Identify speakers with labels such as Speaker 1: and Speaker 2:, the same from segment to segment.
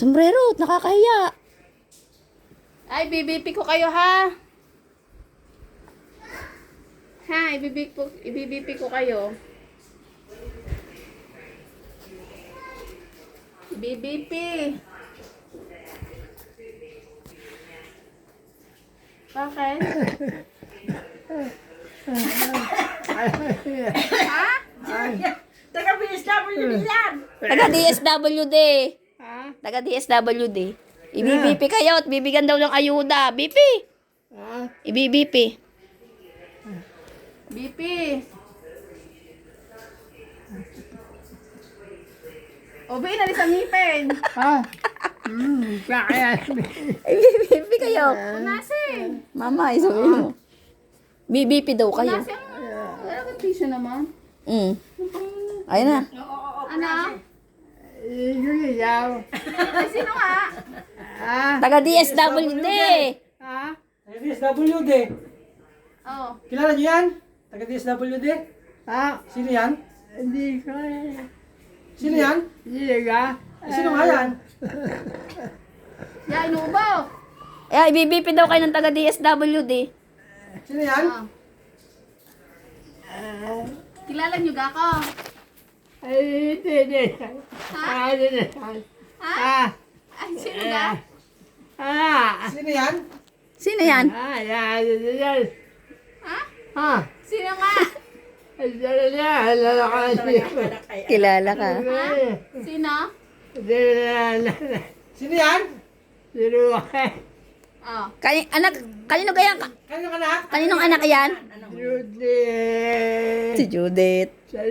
Speaker 1: Sombrero, nakakahiya.
Speaker 2: Ay, BBP ko kayo ha. Ha, ibibp ko kayo. BBP. Bakit? Ha?
Speaker 3: Taga-BSWD yan.
Speaker 1: Taga DSWD.
Speaker 3: Ha?
Speaker 1: Taga DSWD. IBBP kayo at bibigyan daw ng ayuda. BP.
Speaker 3: Ha?
Speaker 1: IBBP.
Speaker 2: BP. O, ba inalis ang ngipin?
Speaker 3: Ha? Kaya.
Speaker 1: IBBP kayo.
Speaker 2: Punasin.
Speaker 1: Mama, isabihin mo. BBP daw kayo.
Speaker 2: Punasin. Wala kang tissue naman.
Speaker 1: Ayun na.
Speaker 2: Ano?
Speaker 3: Ikaw.
Speaker 2: Ay, sino nga?
Speaker 3: Ha?
Speaker 1: Taga DSWD.
Speaker 3: Ha?
Speaker 4: Taga-DSWD.
Speaker 2: Oh.
Speaker 4: Kilala niyo yan? Taga-DSWD?
Speaker 3: Ha?
Speaker 4: Sino yan?
Speaker 3: Hindi ko.
Speaker 4: Sino yan?
Speaker 3: Hindi ka.
Speaker 4: Sino nga yan?
Speaker 2: Ya, inuubaw.
Speaker 1: Ay, IBBP daw kayo ng taga DSWD.
Speaker 4: Sino yan?
Speaker 2: Oh. Kilala niyo ga ako?
Speaker 3: Ay, hindi.
Speaker 2: Ha?
Speaker 3: Hindi.
Speaker 2: Ha?
Speaker 3: Ha?
Speaker 2: Ay, sino ga?
Speaker 3: Ha?
Speaker 4: Sino yan?
Speaker 1: Sino yan?
Speaker 3: Ha? Yan.
Speaker 2: Ha?
Speaker 3: Ha?
Speaker 2: Sino nga?
Speaker 1: Kilala ka.
Speaker 2: Sino?
Speaker 4: Sino yan?
Speaker 2: Oh.
Speaker 1: Kanino kaya?
Speaker 4: Kaninong anak?
Speaker 1: Kaninong anak yan? Si Judith.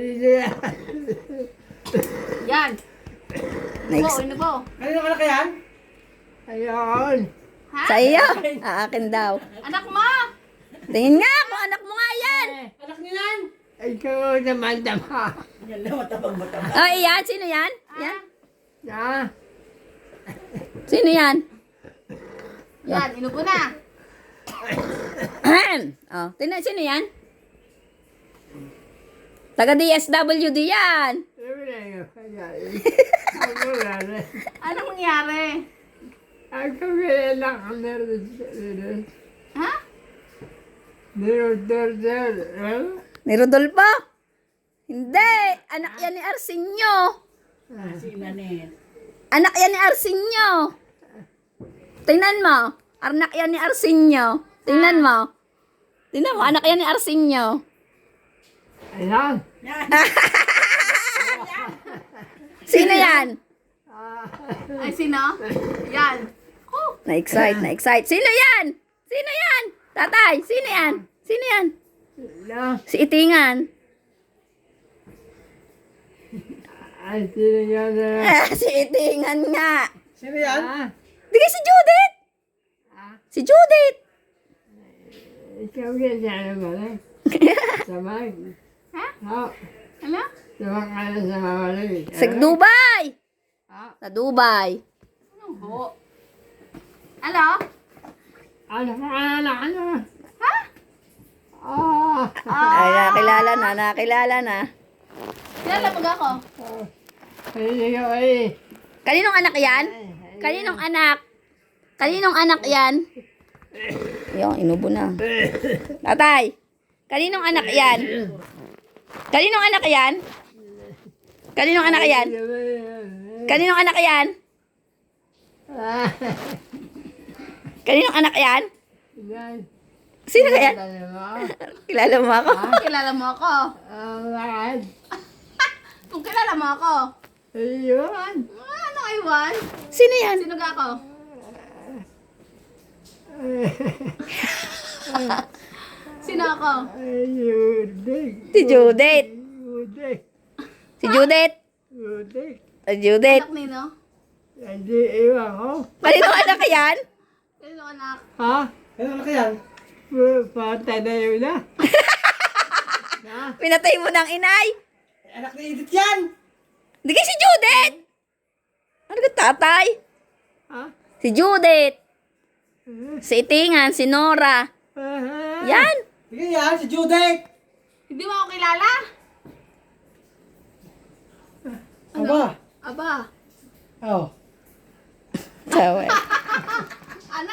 Speaker 2: Yan.
Speaker 1: Next.
Speaker 2: Inubo.
Speaker 4: Kaninong anak yan?
Speaker 3: Ayun.
Speaker 2: Ha?
Speaker 1: Sa iyo. Akin daw.
Speaker 2: Anak mo?
Speaker 1: Tingin nga kung anak mo nga yan.
Speaker 4: Anak niyo yan?
Speaker 3: Ikaw naman tama.
Speaker 1: Oh, iyan. Sino yan? Yan.
Speaker 3: Ha?
Speaker 1: Sino yan?
Speaker 2: Yan, inubo na.
Speaker 1: Oh, tingnan. Sino yan? Taga DSWD yan.
Speaker 2: Anong nangyari?
Speaker 3: Ako kaya lang ang meron.
Speaker 2: Ha?
Speaker 1: Ni Rodolfo? Hindi. Anak yan ni Arsenio. Anak yan ni Arsenio. Tingnan mo. Anak yan ni Arsenio. Tingnan mo. Tingnan mo. Anak yan ni Arsenio.
Speaker 3: Ayan.
Speaker 1: Sino yan?
Speaker 2: Ay, sino? Yan. Oh.
Speaker 1: Na-excite. Sino yan? Sino yan? Tatay, sino yan? Sino yan? Si Itingan.
Speaker 3: Ay, sino yan?
Speaker 1: Si Itingan nga.
Speaker 4: Sino yan?
Speaker 1: Di kaya si Judith. Si Judith.
Speaker 3: Ikaw kaya naman. Sabay.
Speaker 2: Ha?
Speaker 3: Ha?
Speaker 2: Ano?
Speaker 3: Sabay ka na sa mawalay.
Speaker 1: Sa Dubai.
Speaker 3: Ha?
Speaker 1: Sa Dubai.
Speaker 2: Anong ho? Ano?
Speaker 3: Ano ka ano?
Speaker 2: Ha?
Speaker 3: Ah.
Speaker 1: Ay, nakilala na.
Speaker 2: Kilala mo ga ako?
Speaker 3: Ay, ikaw ay.
Speaker 1: Kaninong anak yan? Kaninong anak? Kaninong anak yan? Yung, inubo na. Tatay, kaninong anak yan? Kaninong anak yan? Kaninong anak yan? Kaninong anak yan? Kaninong anak yan? Sino kaya? Kilala mo ako?
Speaker 2: Kilala mo ako?
Speaker 3: Bakit?
Speaker 2: Kung kilala mo ako?
Speaker 3: Ayun.
Speaker 2: Ano Iwan?
Speaker 1: Sino yan?
Speaker 2: Sino ga ako? Sino ako?
Speaker 3: Ayun.
Speaker 1: Si Judith. Si Judith. Si Judith.
Speaker 2: Anak nino?
Speaker 3: Hindi, iwan ko.
Speaker 1: Kaninong anak yan?
Speaker 2: Sino anak?
Speaker 3: Ha?
Speaker 4: Kaninong anak yan?
Speaker 3: Patay na yun na.
Speaker 1: Pinatay mo ng inay.
Speaker 4: Anak ni Edith yan!
Speaker 1: Hindi kay si Judith. Ano ka tatay?
Speaker 3: Ha?
Speaker 1: Si Judith. Si Itingan, si Nora. Yan.
Speaker 4: Sige yan, si Judith!
Speaker 2: Hindi mo ako kilala?
Speaker 4: Aba!
Speaker 2: Aba.
Speaker 4: Oh.
Speaker 2: Ano?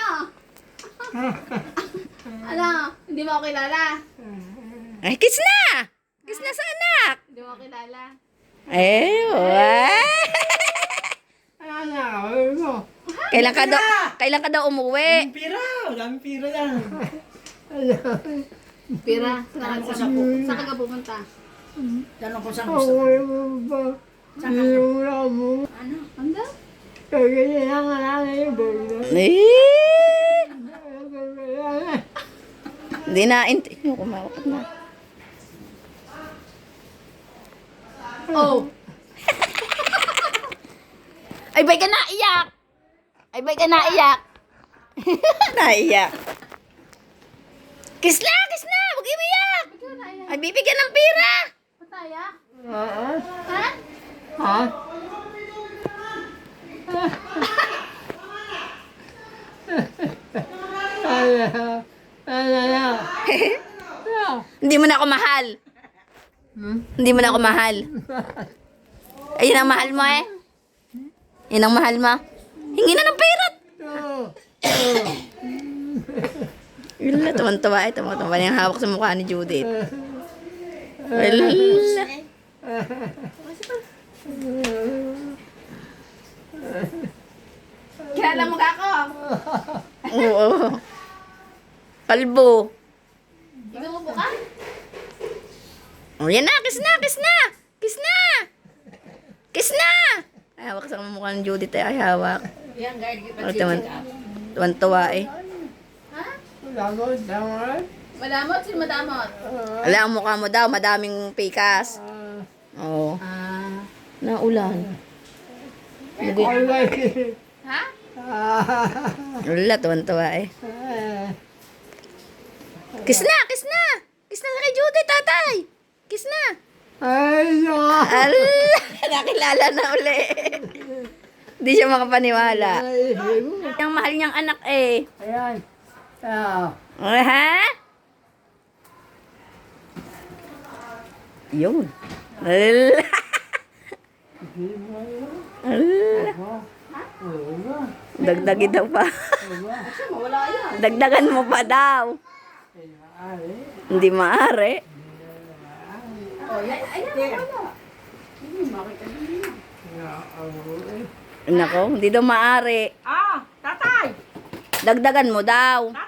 Speaker 2: Ano? Hindi mo ako kilala?
Speaker 1: Ay, kiss na! Kiss na sa anak!
Speaker 2: Hindi mo ako kilala?
Speaker 1: Eh, what?
Speaker 3: Ano na ako mo?
Speaker 1: Kailan ka daw umuwi?
Speaker 4: Daming pira. Daming pira yan.
Speaker 2: Pira, saan ka pupunta?
Speaker 4: Tanong ko saan
Speaker 3: Ako
Speaker 4: gusto.
Speaker 3: mo ba? Hindi mo na mo.
Speaker 2: Ano?
Speaker 3: Kaya yan ang nanay mo.
Speaker 1: Eh, hindi na, yung kumakot na.
Speaker 2: Oh!
Speaker 1: Ay, bay ka naiyak! Ay, bay ka naiyak! Naiyak. Kiss na! Kiss na! Huwag umiyak! Ay, bibigyan ng pira!
Speaker 2: Pataya?
Speaker 3: Ha?
Speaker 2: Ha?
Speaker 3: Ha?
Speaker 1: Hindi mo na ako mahal. Hindi mo na ako mahal. Ayun ang mahal mo eh. Yun ang mahal mo. Hingi na ng pera. Wala, tuwan-tuwa eh. Tuwan-tuwa na yung hawak sa mukha ni Judith. Wala.
Speaker 2: Kilala mo ka ako?
Speaker 1: Oo. Kalbo.
Speaker 2: Ikaw mo ka?
Speaker 1: Oh, yan na. Kiss na. Kiss na. Kiss na. Kiss na. Ay, hawak sa mukha ni Judith eh. Ay, hawak.
Speaker 2: Yan, guard.
Speaker 1: Oh, tuwan-tuwa eh.
Speaker 2: Ha?
Speaker 3: Damot, damot.
Speaker 2: Madamot? Sino madamot?
Speaker 1: Wala ang mukha mo daw. Madaming pikas. Oo.
Speaker 2: Ah.
Speaker 1: Naulan.
Speaker 2: Ha?
Speaker 1: Wala, tuwan-tuwa eh. Kiss na. Kiss na. Kiss na kay Judith, tatay. Kiss na.
Speaker 3: Ay,
Speaker 1: Ala, nakilala na uli. Hindi siya makapaniwala. Yung mahal niyang anak eh.
Speaker 3: Ayan. Ah.
Speaker 1: Ha? Yun. Ala. Ala. Dagdagin daw pa.
Speaker 2: Wala yan.
Speaker 1: Dagdagan mo pa daw. Hindi maaari.
Speaker 2: Oh, yan. Ayan, wala.
Speaker 1: Nako, hindi daw maaari.
Speaker 2: Ah, tatay!
Speaker 1: Dagdagan mo daw.